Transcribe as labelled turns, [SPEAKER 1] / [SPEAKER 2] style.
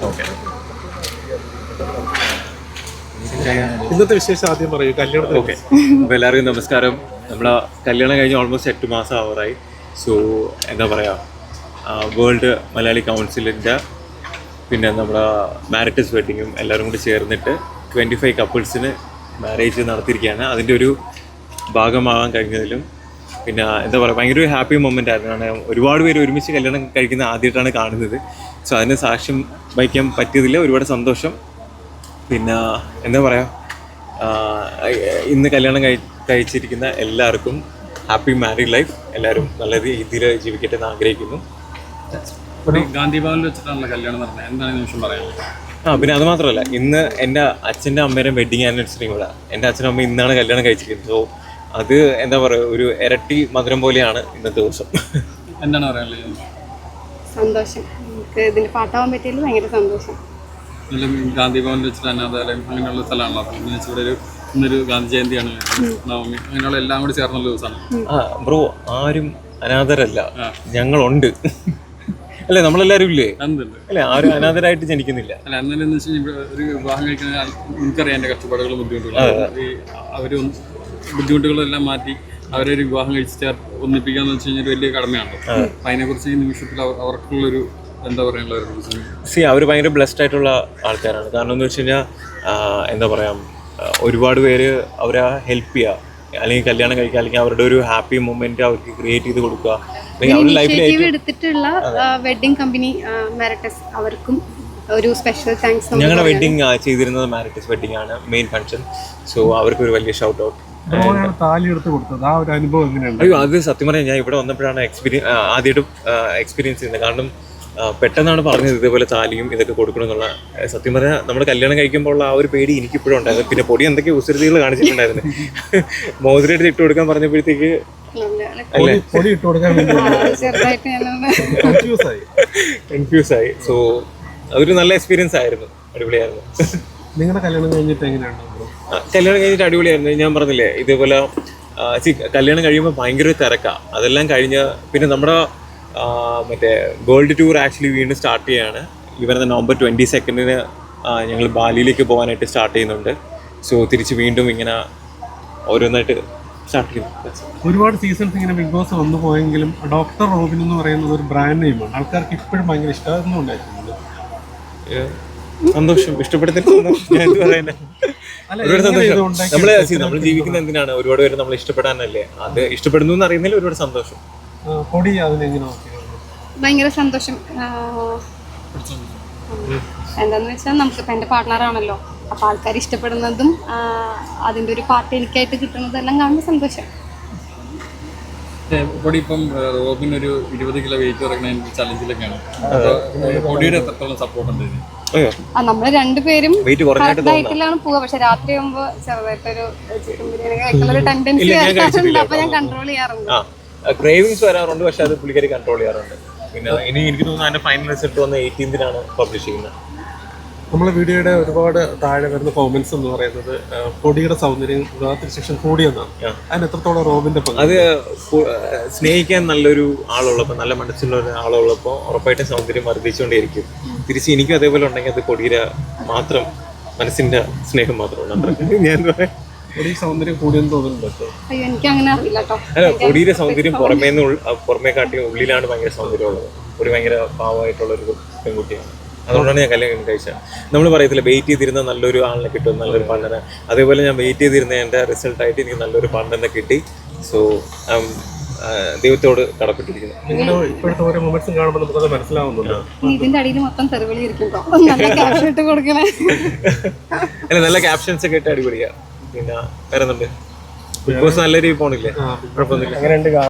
[SPEAKER 1] Okay.
[SPEAKER 2] ഇന്നത്തെ വിശേഷം ആദ്യം പറയൂ. കല്യാണം.
[SPEAKER 1] ഓക്കെ, അപ്പോൾ എല്ലാവർക്കും നമസ്കാരം. നമ്മളെ കല്യാണം കഴിഞ്ഞ് ഓൾമോസ്റ്റ് 8 മാസം ആവാറായി. സോ എന്താ പറയുക, വേൾഡ് മലയാളി കൗൺസിലിൻ്റെ പിന്നെ നമ്മുടെ മാരിറ്റസ് വെഡിങ്ങും എല്ലാവരും കൂടി ചേർന്നിട്ട് 25 കപ്പിൾസിന് മാരേജ് നടത്തിയിരിക്കുകയാണ്. അതിൻ്റെ ഒരു ഭാഗമാകാൻ കഴിഞ്ഞതിലും പിന്നെ എന്താ പറയുക, ഭയങ്കര ഒരു ഹാപ്പി മൊമെൻ്റ് ആയിരുന്നു. കാരണം ഒരുപാട് പേര് ഒരുമിച്ച് കല്യാണം കഴിക്കുന്ന ആദ്യമായിട്ടാണ് കാണുന്നത്. സോ അതിന് സാക്ഷ്യം വഹിക്കാൻ പറ്റിയതിൽ ഒരുപാട് സന്തോഷം. പിന്നെ എന്താ പറയുക, ഇന്ന് കല്യാണം കഴിച്ചിരിക്കുന്ന എല്ലാവർക്കും ഹാപ്പി മാരീഡ് ലൈഫ്. എല്ലാവരും നല്ല രീതിയിൽ ജീവിക്കട്ടെ എന്ന് ആഗ്രഹിക്കുന്നു.
[SPEAKER 3] ഗാന്ധി ഭവനിൽ വെച്ചിട്ടാണല്ലോ കല്യാണം നടന്നത്, എന്താണ് നിമിഷം പറയാനുള്ളത്?
[SPEAKER 1] പിന്നെ അത് മാത്രമല്ല, ഇന്ന് എൻ്റെ അച്ഛൻ്റെ അമ്മയുടെ വെഡിങ് ആനിവേഴ്സറിയും കൂടെ. എൻ്റെ അച്ഛനും അമ്മ ഇന്നാണ് കല്യാണം കഴിച്ചിരിക്കുന്നത്. സോ അത് എന്താ പറയുക, ഒരു ഇരട്ടി മധുരം പോലെയാണ് ഇന്നത്തെ ദിവസം.
[SPEAKER 3] എന്താണ് പറയാനുള്ളത്?
[SPEAKER 4] സന്തോഷം. നമുക്ക് ഇതിൻ്റെ പാട്ടാവാൻ പറ്റിയതിൽ ഭയങ്കര സന്തോഷം.
[SPEAKER 3] ഗാന്ധി ഭവനിൽ വെച്ചിട്ട് അനാഥാലയം അങ്ങനെയുള്ള സ്ഥലമാണല്ലോ. അപ്പം ഇവിടെ ഇന്നൊരു ഗാന്ധി ജയന്തിയാണ്, നവമി, അങ്ങനെയുള്ള എല്ലാം കൂടി ചേർന്നുള്ള ദിവസമാണ്.
[SPEAKER 1] ബ്രോ, ആരും അനാഥരല്ല, ഞങ്ങളുണ്ട്. അല്ലേ, നമ്മളെല്ലാവരും ഇല്ലേ? അല്ലേ, ആരും അനാഥരായിട്ട് ജനിക്കുന്നില്ല.
[SPEAKER 3] അല്ല, എന്നാലും എന്ന് വെച്ച് കഴിഞ്ഞാൽ ഒരു വിവാഹം കഴിക്കുന്ന എനിക്കറിയാം എൻ്റെ കഷ്ടപ്പാടുകളും ബുദ്ധിമുട്ടുകളും. അവർ ബുദ്ധിമുട്ടുകളെല്ലാം മാറ്റി അവരൊരു വിവാഹം കഴിച്ച് ഒന്നിപ്പിക്കാന്ന് വെച്ച് കഴിഞ്ഞാൽ വലിയ കടമയാണ്. അപ്പം അതിനെക്കുറിച്ച് ഈ നിമിഷത്തിൽ അവർക്കുള്ളൊരു എന്താ പറയാനുള്ളത്?
[SPEAKER 1] അവർ ഭയങ്കര ബ്ലെസ്ഡ് ആയിട്ടുള്ള ആൾക്കാരാണ്. കാരണം എന്ന് വെച്ച് കഴിഞ്ഞാൽ എന്താ പറയുക, ഒരുപാട് പേര് അവരെ ഹെൽപ്പ് ചെയ്യുക, അല്ലെങ്കിൽ കല്യാണം കഴിക്കുക, അല്ലെങ്കിൽ അവരുടെ ഒരു ഹാപ്പി മൊമെന്റ് അവർക്ക് ക്രിയേറ്റ് ചെയ്ത് കൊടുക്കുക. അവരുടെ ലൈഫിൽ
[SPEAKER 4] എടുത്തിട്ടുള്ള വെഡിങ് കമ്പനി മാരിറ്റസ്, അവർക്കും ഒരു സ്പെഷ്യൽ താങ്ക്സ്.
[SPEAKER 1] ഞങ്ങളുടെ വെഡിങ് ചെയ്തിരുന്നത് മാരിറ്റസ് വെഡിങ് ആണ്, മെയിൻ ഫംഗ്ഷൻ. സോ അവർക്ക് ഒരു വലിയ ഷൗട്ട് ഔട്ട്.
[SPEAKER 2] താലി എടുത്ത് കൊടുത്തത് ആ ഒരു അനുഭവം എങ്ങനെയുണ്ട്?
[SPEAKER 1] അയ്യോ, അത് സത്യം പറയാം, ഞാൻ ഇവിടെ വന്നപ്പോഴാണ് ആദ്യമായിട്ട് എക്സ്പീരിയൻസ് ചെയ്യുന്നത്. കാരണം പെട്ടെന്നാണ് പറഞ്ഞത് ഇതേപോലെ താലിയും ഇതൊക്കെ കൊടുക്കണം എന്നുള്ള. സത്യം പറഞ്ഞാൽ നമ്മൾ കല്യാണം കഴിക്കുമ്പോൾ ഉള്ള ആ ഒരു പേടി എനിക്കിപ്പോഴും ഉണ്ടായിരുന്നു. പിന്നെ പൊടി എന്തൊക്കെ ഉസൃതികൾ കാണിച്ചിട്ടുണ്ടായിരുന്നു. മോതിരമായിട്ട് ഇട്ട് കൊടുക്കാൻ പറഞ്ഞപ്പോഴത്തേക്ക് കൺഫ്യൂസ് ആയി. സോ അതൊരു നല്ല എക്സ്പീരിയൻസ് ആയിരുന്നു, അടിപൊളിയായിരുന്നു.
[SPEAKER 2] നിങ്ങളുടെ കല്യാണം കഴിഞ്ഞിട്ട് എങ്ങനെയാണ്?
[SPEAKER 1] കല്യാണം കഴിഞ്ഞിട്ട് അടിപൊളിയായിരുന്നു. ഞാൻ പറഞ്ഞില്ലേ, ഇതേപോലെ കല്യാണം കഴിയുമ്പോൾ ഭയങ്കര തിരക്കാണ്. അതെല്ലാം കഴിഞ്ഞ് പിന്നെ നമ്മുടെ മറ്റേ വേൾഡ് ടൂർ ആക്ച്വലി വീണ്ടും സ്റ്റാർട്ട് ചെയ്യുകയാണ്. ഈ വരുന്ന നവംബർ 22 ഞങ്ങൾ ബാലിയിലേക്ക് പോകാനായിട്ട് സ്റ്റാർട്ട് ചെയ്യുന്നുണ്ട്. സോ തിരിച്ച് വീണ്ടും ഇങ്ങനെ ഓരോന്നായിട്ട് സ്റ്റാർട്ട് ചെയ്യുന്നു.
[SPEAKER 2] ഒരുപാട് സീസൺസ് ഇങ്ങനെ ബിഗ് ബോസ് വന്നു പോയെങ്കിലും ഡോക്ടർ റോബിൻ എന്ന് പറയുന്നത് ഒരു ബ്രാൻഡ് നെയിമാണ്. ആൾക്കാർക്ക് ഇപ്പോഴും ഭയങ്കര ഇഷ്ടമായിരുന്നു ഉണ്ടായിരുന്നത്.
[SPEAKER 1] സന്തോഷം, ഇഷ്ടപ്പെടുത്തില്ല, ഞാൻ എന്ത് പറയാനാ. ഒരുപാട് സന്തോഷം. നമ്മൾ ജീവിക്കുന്ന എന്തിനാണ്? ഒരുപാട് പേര് നമ്മൾ ഇഷ്ടപ്പെടാനല്ലേ. അത് ഇഷ്ടപ്പെടുന്നു എന്ന് അറിയുന്നതിൽ ഒരുപാട് സന്തോഷം.
[SPEAKER 4] ഭയങ്കര സന്തോഷം. എന്താന്ന് വെച്ചാൽ നമുക്കിപ്പോൾ എൻ്റെ പാർട്ട്ണറാണല്ലോ, അപ്പോൾ ആൾക്കാർ ഇഷ്ടപ്പെടുന്നതും അതിൻ്റെ ഒരു പാർട്ട് എനിക്കായിട്ട് കിട്ടുന്നതും എല്ലാം കാണുന്ന സന്തോഷം.
[SPEAKER 3] ഇപ്പം റോബിൻ ഒരു 20 കിലോ വെയിറ്റ് കുറയ്ക്കുന്ന ചലഞ്ചിലൊക്കെയാണ്. പൊടിയുടെ എത്രത്തോളം സപ്പോർട്ട് ഉണ്ട്?
[SPEAKER 4] നമ്മൾ രണ്ടുപേരും ഡയറ്റിലാണ് പോവുക, പക്ഷെ രാത്രി ആകുമ്പോൾ ചെറുതായിട്ടൊരു ചിക്കൻ ബിരിയാണി കഴിക്കുന്ന ടെൻഡൻസി ആയിട്ടുണ്ട്. അപ്പോൾ ഞാൻ കൺട്രോൾ ചെയ്യാറുണ്ട്.
[SPEAKER 1] ക്രേവിങ്സ് വരാറുണ്ട്, പക്ഷെ അത് പുള്ളിക്കാരി കൺട്രോൾ ചെയ്യാറുണ്ട്. പിന്നെ ഇനി എനിക്ക് തോന്നുന്നു അതിന്റെ ഫൈനൽ റിസൾട്ട് വന്ന് 18 പബ്ലിഷ് ചെയ്യുന്നത്.
[SPEAKER 2] നമ്മളെ വീഡിയോയുടെ ഒരുപാട് താഴെ വരുന്ന കോമന്റ്സ് എന്ന് പറയുന്നത് പൊടിയുടെ സൗന്ദര്യം വിവാഹത്തിന് ശേഷം കൂടിയെന്നാണ്. അതിന് എത്രത്തോളം റോബിന്റെ പങ്ക്?
[SPEAKER 1] അത് സ്നേഹിക്കാൻ നല്ലൊരു ആളുള്ളപ്പോൾ, നല്ല മനസ്സുള്ള ഒരു ആളുള്ളപ്പോൾ ഉറപ്പായിട്ടും സൗന്ദര്യം വർദ്ധിച്ചുകൊണ്ടേയിരിക്കും. തിരിച്ച് എനിക്കും അതേപോലെ ഉണ്ടെങ്കിൽ അത് പൊടിയുടെ മാത്രം മനസ്സിന്റെ സ്നേഹം മാത്രമാണ്. ഞാൻ എന്താ പറയാ,
[SPEAKER 2] സൗന്ദര്യം കൂടിയെന്ന് തോന്നുന്നുണ്ട്.
[SPEAKER 1] അല്ല, പൊടിയുടെ സൗന്ദര്യം പുറമേ കാട്ടി ഉള്ളിലാണ് ഭയങ്കര സൗന്ദര്യമുള്ളത്. ഒരു ഭയങ്കര പാവമായിട്ടുള്ള ഒരു പെൺകുട്ടിയാണ്. അതുകൊണ്ടാണ് ഞാൻ കല്യാണം കഴിച്ചത്. നമ്മൾ പറയത്തില്ല, വെയിറ്റ് ചെയ്തിരുന്ന നല്ലൊരു ആളിനെ കിട്ടും, നല്ലൊരു പാർട്ണറെ. അതേപോലെ ഞാൻ വെയിറ്റ് ചെയ്തിരുന്ന എൻ്റെ റിസൾട്ടായിട്ട് എനിക്ക് നല്ലൊരു പാർട്ണറിനെ കിട്ടി. സോ ദൈവത്തോട് കടപ്പെട്ടിരിക്കുന്നു.
[SPEAKER 2] ഇപ്പോഴത്തെ ഓരോ മൊമെന്റ്സും കാണുമ്പോൾ നമുക്കത് മനസ്സിലാവുന്നുണ്ട്.
[SPEAKER 4] ഇതിന്റെ അടിയിൽ മൊത്തം തെറിവിളിയിരിക്കും. നല്ല ക്യാപ്ഷൻ ഇട്ട് കൊടുക്കണേ.
[SPEAKER 1] അല്ല, നല്ല ക്യാപ്ഷൻസ് ഒക്കെ ഇട്ട് അടിപൊളിയാണ്. പിന്നെ വേറെ ബിഗ് ബോസ് നല്ല രീതിയിൽ പോണില്ലേ? കുഴപ്പമൊന്നുമില്ല.